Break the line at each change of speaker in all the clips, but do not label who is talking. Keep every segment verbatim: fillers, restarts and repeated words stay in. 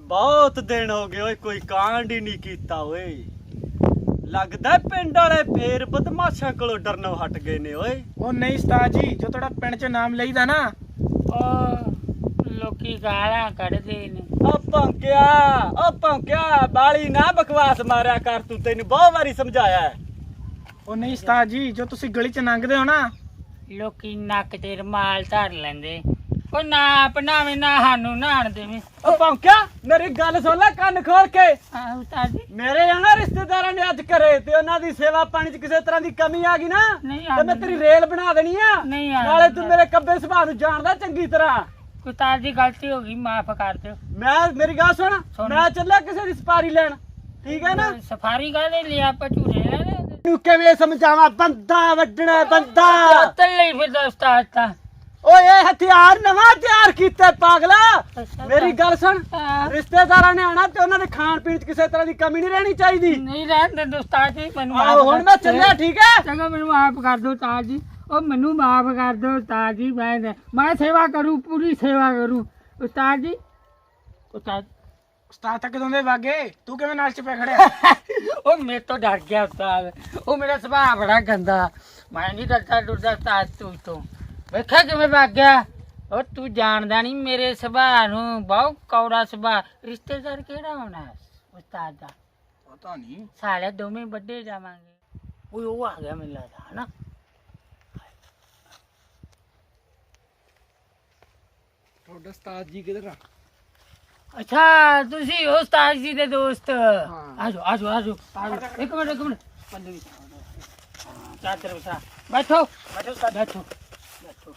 बहुत दिन हो गए ओए कोई कांड ही नहीं कीता ओए लगदा पिंड वाले फेर बदमाशा कोलों डरनों हट गए ने ओए
ओ नहीं उस्ताद जी जो थोड़ा पिंड च नाम लईदा ना
ओ लोकी गालां कढदे ने
ओ भौंकिया ओ भौंकिया बाली ना बकवास मारिया कर तू तैनू बहुत बारी समझाया है
ओ नहीं उस्ताद जी जो तुसी गली च लंघदे हो ना
ਲੋਕੀ ਨੱਕ ਤੇ ਰੁਮਾਲ ਧਰ ਲੈਂਦੇ ਉਹ ਨਾ ਆਪਣਾਵੇਂ ਨਾ ਸਾਨੂੰ ਨਹਾਣ ਦੇਵੇਂ
ओ भौंकिया मेरी गल सुन ले ਕੰਨ खोल के
ਆਹ ਉਸਤਾਦ ਜੀ
ਮੇਰੇ ਆਣਾ ਰਿਸ਼ਤੇਦਾਰਾਂ ਨੇ ਅੱਜ ਕਰੇ ਤੇ ਉਹਨਾਂ ਦੀ ਸੇਵਾ ਪਾਣੀ 'ਚ ਕਿਸੇ ਤਰ੍ਹਾਂ ਦੀ ਕਮੀ ਆ ਗਈ ਨਾ
ਨਹੀਂ
ਤੇ ਮੈਂ ਤੇਰੀ ਰੇਲ ਬਣਾ ਦੇਣੀ ਆ
ਨਹੀਂ ਆਉਂਦਾ।
ਨਾਲੇ ਤੂੰ ਮੇਰੇ ਕੱਬੇ ਸੁਭਾਅ ਨੂੰ ਜਾਣਦਾ ਚੰਗੀ ਤਰ੍ਹਾਂ
ਉਸਤਾਦ ਦੀ ਗਲਤੀ ਹੋ ਗਈ ਮਾਫ ਕਰ ਦਿਓ
ਮੈਂ ਮੇਰੀ ਗੱਲ ਸੁਣ
ਸੁਣ।
ਮੈਂ ਚੱਲਿਆ ਕਿਸੇ ਦੀ ਸਪਾਰੀ ਲੈਣ ਠੀਕ ਹੈ ਨਾ
ਸਫਾਰੀ ਕਾਹਦੇ ਲਈ ਆਪਾਂ ਝੂਰੇ ਲੈਣੇ
ਤੈਨੂੰ ਕਿਵੇਂ ਸਮਝਾਵਾਂ ਬੰਦਾ ਵੱਢਣਾ ਬੰਦਾ
ਤੱਲ ਲਈ ਫਿਰ ਉਸਤਾਦ ਤਾਂ
ਓਏ ਇਹ ਹਥਿਆਰ ਨਵਾਂ ਤਿਆਰ ਕੀਤਾ ਪਾਗਲਾ ਮੇਰੀ ਗੱਲ ਸੁਣ
ਹਾਂ।
ਰਿਸ਼ਤੇਦਾਰਾਂ ਨੇ ਆਣਾ ਤੇ ਉਹਨਾਂ ਦੇ ਖਾਣ ਪੀਣ 'ਚ ਕਿਸੇ ਤਰ੍ਹਾਂ ਦੀ ਕਮੀ ਨਹੀਂ ਰਹਿਣੀ ਚਾਹੀਦੀ
ਨਹੀਂ ਰਹਿਣ ਦੇ ਉਸਤਾਦ ਜੀ ਮੈਨੂੰ
ਆਹੋ
ਮਾਫ਼
ਹੁਣ
ਕਰ-
ਮੈਂ ਚੱਲਿਆ ਠੀਕ ਹੈ
ਚੰਗਾ ਮੈਨੂੰ ਮਾਫ ਕਰ ਦਿਓ ਉਸਤਾਦ ਜੀ ਉਹ ਮੈਨੂੰ ਮਾਫ ਕਰ ਦਿਓ ਉਸਤਾਦ ਜੀ ਮੈਂ ਮੈਂ ਸੇਵਾ ਕਰੂੰ ਪੂਰੀ ਸੇਵਾ ਕਰੂੰ ਉਸਤਾਦ ਜੀ ਉਸਤਾਦ
ਉਸਤਾਦ ਤਾਂ ਕਦੋਂ ਦੇ ਵਾਗੇ ਤੂੰ ਕਿਵੇਂ ਨਾਲ ਚ ਪੈ ਖੜਿਆ
ਉਹ ਮੇਰੇ ਤੋਂ ਡਰ ਗਿਆ ਉਸਤਾਦ ਉਹ ਮੇਰਾ ਸੁਭਾਅ ਬੜਾ ਗੰਦਾ ਮੈਂ ਨਹੀਂ ਡਰਦਾ ਡਰਦਾ ਉਸਤਾਦ ਤੂੰ ਤੋਂ ਵੇਖਿਆ ਕਿਵੇਂ ਵਗ ਗਿਆ ਉਹ ਤੂੰ ਜਾਣਦਾ ਨਹੀਂ ਮੇਰੇ ਸੁਭਾਅ ਨੂੰ ਬਹੁਤ ਕੌੜਾ ਸੁਭਾਅ ਰਿਸ਼ਤੇਦਾਰ ਕਿਹੜਾ ਹੋਣਾ ਉਸਤਾਦ ਦਾ
ਪਤਾ ਨਹੀਂ
ਸਾਲੇ ਦੋਵੇਂ ਵੱਡੇ ਜਾਵਾਂਗੇ ਉਹ ਉਹ ਆ ਗਿਆ ਮੈਨੂੰ ਲੱਗਦਾ ਹਨਾ
ਤੁਹਾਡਾ ਉਸਤਾਦ ਜੀ ਕਿਧਰ ਆ
ਅੱਛਾ ਤੁਸੀਂ ਉਸਤਾਦ ਜੀ ਦੇ ਦੋਸਤ ਆਜੋ ਆਜੋ ਆਜੋ ਆਜੋ ਇੱਕ ਮਿੰਟ ਇੱਕ ਮਿੰਟ ਬੰਦੇ ਵੀ ਚਾਦਰ ਬਿਠਾ ਬੈਠੋ ਬੈਠੋ ਉਸਤਾਦ ਬੈਠੋ ਬੈਠੋ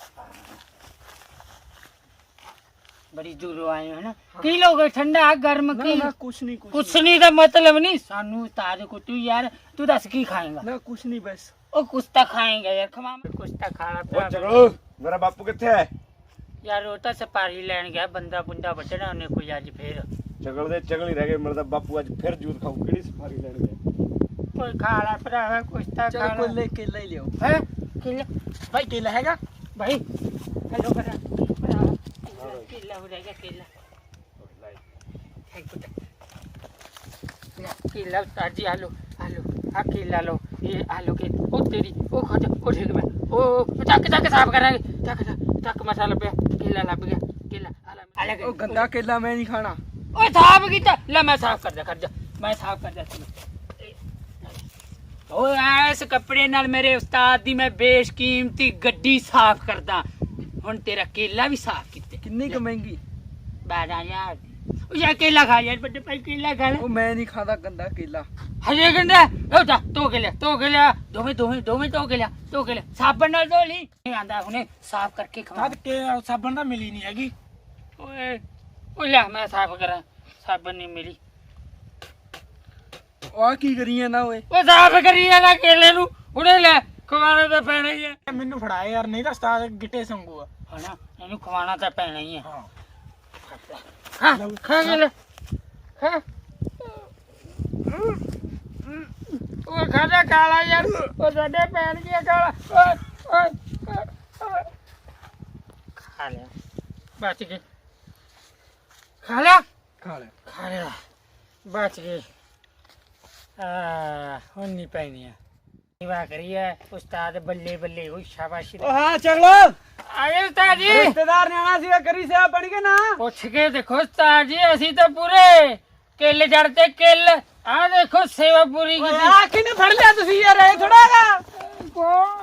ਬੜੀ ਦੂਰੋਂ ਆਏ ਹੋ ਨਾ ਕੀ ਲੋਗੇ ਠੰਡਾ ਗਰਮ ਕੀ
ਨਾ ਕੁਛ ਨਹੀਂ ਕੁਛ
ਕੁਛ ਨਹੀਂ ਦਾ ਮਤਲਬ ਨਹੀਂ ਸਾਨੂੰ ਉਸਤਾਦ ਕੋ ਤੂੰ ਯਾਰ ਤੂੰ ਦੱਸ ਕੀ ਖਾਏਗਾ
ਨਾ ਕੁਛ ਨਹੀਂ ਬਸ
ਉਹ ਕੁਛ ਤਾਂ ਖਾਏਗਾ ਯਾਰ ਖਵਾ ਕੁਛ ਤਾਂ ਖਾਣਾ ਪਿਆ
ਚਲੋ ਮੇਰਾ ਬਾਪੂ ਕਿੱਥੇ ਹੈ
ਯਾਰ ਉਹ ਤਾਂ ਸਪਾਰੀ ਲੈਣ ਗਿਆ ਬੰਦਾ ਬੁੰਦਾ ਵੱਢਣਾ ਉਹਨੇ ਕੋਈ ਅੱਜ ਫੇਰ
ਚਗਲ ਦੇ ਚਗਲ ਹੀ ਰਹਿ ਗਏ ਮੇਰਾ ਤਾਂ ਬਾਪੂ ਅੱਜ ਫਿਰ ਜੂਤ ਖਾਊ ਕਿਹੜੀ ਸਫਾਰੀ ਲੈਣ ਗਿਆ
ਕੋਈ ਖਾ ਲਾ ਭਰਾਵਾ ਕੁਛ ਤਾਂ
ਚਲ
ਖਾ
ਕੋਈ
ਲਾ
ਲੈ ਕੇਲਾ ਹੀ ਲਿਓ
ਹੈ ਕਿੱਲਾ
ਭਾਈ ਕੇਲਾ ਹੈਗਾ
ਭਾਈ ਹੈਲੋ ਭਰਾ ਭਰਾ ਕਿੱਲਾ ਹੋ ਰਿਹਾ ਕਿੱਲਾ किला उस्ताद जी आलू आलू हाँ किला लो ये आलू के ओ तेरी ओ खा जा ओ ठीक है ओ चक चक साफ करांगे चक चक मसाला पे किला लग गया किला अलग
ਉਹ ਗੰਦਾ ਕੇਲਾ ਮੈਂ ਨਹੀਂ ਖਾਣਾ
ओ साफ कीता ले मैं साफ कर दे कर जा मैं साफ कर देती ओ इस कपड़े नाल मेरे उस्ताद दी मैं बेशकीमती गड्डी साफ करदा हुन तेरा केला भी साफ कीते
ਕਿੰਨੀ ਕੁ ਮਹਿੰਗੀ
बारह हजार ओ या केला खा यार बड़े भाई केला खा ले
ਉਹ ਮੈਂ ਨਹੀਂ ਖਾਂਦਾ ਗੰਦਾ ਕੇਲਾ
ਹਜੇ ਕਹਿੰਦਾ ਉਹ ਜਾ ਧੋ ਕੇ ਲਿਆ ਧੋ ਕੇ ਲਿਆ ਦੋਵੇਂ ਦੋਵੇਂ ਦੋਵੇਂ ਧੋ ਕੇ ਲਿਆ ਧੋ ਕੇ ਲਿਆ ਸਾਬਣ ਨਾਲ ਧੋ ਲਈ ਨਹੀਂ ਆਂਦਾ ਹੁਣੇ ਸਾਫ਼ ਕਰਕੇ ਖਵਾ
ਤਦ ਕੇ ਸਾਬਣ ਤਾਂ ਮਿਲੀ ਨਹੀਂ ਹੈਗੀ
ਓਏ ਉਹ ਲੈ ਮੈਂ ਸਾਫ਼ ਕਰਾਂ ਸਾਬਣ ਨਹੀਂ ਮਿਲੀ
ਉਹ ਆ ਕੀ ਕਰੀ ਜਾਂਦਾ ਓਏ
ਉਹ ਸਾਫ਼ ਕਰੀ ਜਾਂਦਾ ਕੇਲੇ ਨੂੰ ਹੁਣੇ ਲੈ ਖਵਾਣਾ ਤਾਂ ਪੈਣਾ ਹੀ ਹੈ
ਮੈਨੂੰ ਫੜਾ ਯਾਰ ਨਹੀਂ ਤਾਂ ਉਸਤਾਦ ਗਿੱਟੇ ਸੰਗੂ ਆ
ਹਨਾ ਇਹਨੂੰ ਖਵਾਣਾ ਤਾਂ ਪੈਣਾ ਹੀ ਹੈ
ਹਾਂ
ਹਾਂ ਖਾ ਕੇ ਲੈ ਹਾਂ ਉਹ ਖਾਦਾ ਕਾਲਾ ਯਾਰ ਉਹ ਸਾਡੇ ਪੈਣ ਗਿਆ ਕਾਲਾ ਓਏ ਓਏ ਓਏ ਖਾ ਲਿਆ ਬਚ ਗਏ ਖਾ ਲਿਆ
ਖਾ ਲੈ
ਖਾ ਲਿਆ ਬਚ ਗਏ ਆ ਹੁਣ ਨਹੀਂ ਪੈਣੀ ਆ ਸੇਵਾ ਕਰੀਏ ਉਸਤਾਦ ਬੱਲੇ ਬੱਲੇ ਉਹ ਸ਼ਾਬਾਸ਼ੀ
ਓ ਹਾਂ ਚਲੋ
ਆਏ ਉਸਤਾਦ ਜੀ
ਰਿਸ਼ਤੇਦਾਰ ਨੇ ਆਣਾ ਸੀਗਾ ਕਰੀ ਸੇਵਾ ਬਣ ਕੇ ਨਾ
ਪੁੱਛ ਕੇ ਦੇਖੋ ਉਸਤਾਦ ਜੀ ਅਸੀਂ ਤਾਂ ਪੂਰੇ ਕਿੱਲ ਜੜ ਤੇ ਕਿੱਲ ਆ ਦੇਖੋ ਸੇਵਾ ਪੂਰੀ
ਓਏ
ਕੀਤੀ
ਆ ਕਿਨੇ ਫੜ ਲਿਆ ਤੁਸੀਂ ਯਾਰ ਇਹ ਥੋੜਾ ਹੈਗਾ
ਕੌਣ